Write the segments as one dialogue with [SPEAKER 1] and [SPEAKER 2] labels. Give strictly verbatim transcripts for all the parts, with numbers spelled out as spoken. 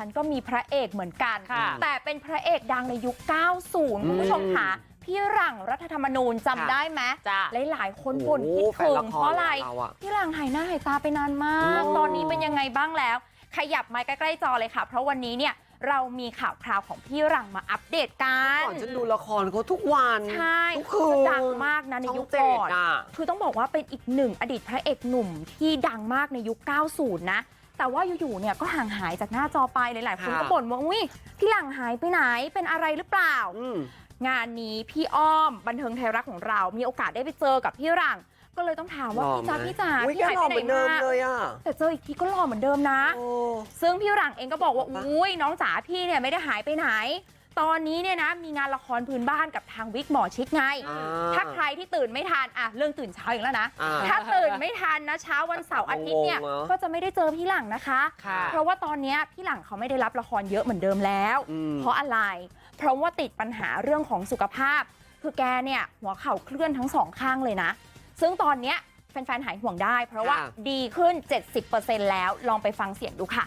[SPEAKER 1] ฉันก็มีพระเอกเหมือนกันแต่เป็นพระเอกดังในยุค เก้าสิบ คุณผู้ชมค่ะพี่หลังรัฐธรรมนูญจำได้ไหมหลายๆคนบ่นคิดถึงเพราะอะไรพี่หลังหายหน้าหายตาไปนานมากตอนนี้เป็นยังไงบ้างแล้วขยับมาใกล้ๆจอเลยค่ะเพราะวันนี้เนี่ยเรามีข่าวคราวของพี่หลังมาอัปเดตกัน
[SPEAKER 2] ก่อนฉันดูละครเขาทุกวัน
[SPEAKER 1] ใช่คือดังมากนะในยุคก่อนคือต้องบอกว่าเป็นอีกหนึ่งอดีตพระเอกหนุ่มที่ดังมากในยุค เก้าสิบ นะแต่ว่าอยู่ๆเนี่ยก็ห่างหายจากหน้าจอไปหลายๆคนก็บ่นว่าอุ้ยพี่หลังหายไปไหนเป็นอะไรหรือเปล่างานนี้พี่อ้อมบันเทิงไทยรัฐของเรามีโอกาสได้ไปเจอกับพี่หลังก็เลยต้องถามว่าพี่จ๋าพี่จ๋าพี่หายไปไหนมาแต่เจออีกทีก็หล่อเหมือนเดิมนะซึ่งพี่หลังเองก็บอกว่าอุ้ยน้องจ๋าพี่เนี่ยไม่ได้หายไปไหนตอนนี้เนี่ยนะมีงานละครพื้นบ้านกับทางวิกหมอชิดไงถ้าใครที่ตื่นไม่ทันอ่ะเรื่องตื่นเช้าอีกแล้วนะถ้าตื่นไม่ทันนะเช้าวันเสาร์อาทิตย์เนี่ยก็จะไม่ได้เจอพี่หลังนะคะเพราะว่าตอนนี้พี่หลังเขาไม่ได้รับละครเยอะเหมือนเดิมแล้วเพราะอะไรเพราะว่าติดปัญหาเรื่องของสุขภาพคือแกเนี่ยหัวเข่าเคลื่อนทั้งสองข้างเลยนะซึ่งตอนนี้แฟนๆหายห่วงได้เพราะว่าดีขึ้น เจ็ดสิบเปอร์เซ็นต์ แล้วลองไปฟังเสียงดูค่ะ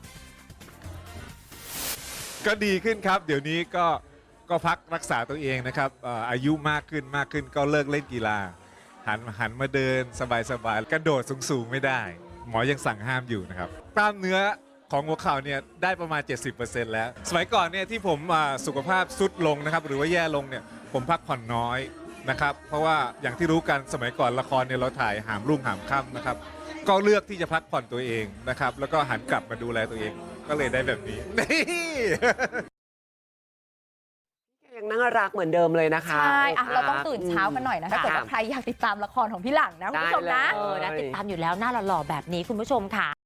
[SPEAKER 3] ก็ดีขึ้นครับเดี๋ยวนี้ก็ก็พักรักษาตัวเองนะครับอายุมากขึ้นมากขึ้นก็เลิกเล่นกีฬาหันหันมาเดินสบายๆกระโดดสูงๆไม่ได้หมอยังสั่งห้ามอยู่นะครับกล้ามเนื้อของหัวเข่าเนี่ยได้ประมาณ เจ็ดสิบเปอร์เซ็นต์ แล้วสมัยก่อนเนี่ยที่ผมสุขภาพทรุดลงนะครับหรือว่าแย่ลงเนี่ยผมพักผ่อนน้อยนะครับเพราะว่าอย่างที่รู้กันสมัยก่อนละครเนี่ยเราถ่ายหามรุ่งหามค่ำนะครับก็เลือกที่จะพักผ่อนตัวเองนะครับแล้วก็หันกลับมาดูแลตัวเองก็เลยได้แบบนี้
[SPEAKER 2] ยังน่ารักเหมือนเดิมเลยนะคะ
[SPEAKER 1] ใช่เราต้องตื่นเช้ากันหน่อยนะถ้าเกิดว่าใครอยากติดตามละครของพี่หลังนะคุณผู้ชมนะ
[SPEAKER 4] เออนะติดตามอยู่แล้วหน้าหล่อๆแบบนี้คุณผู้ชมค่ะ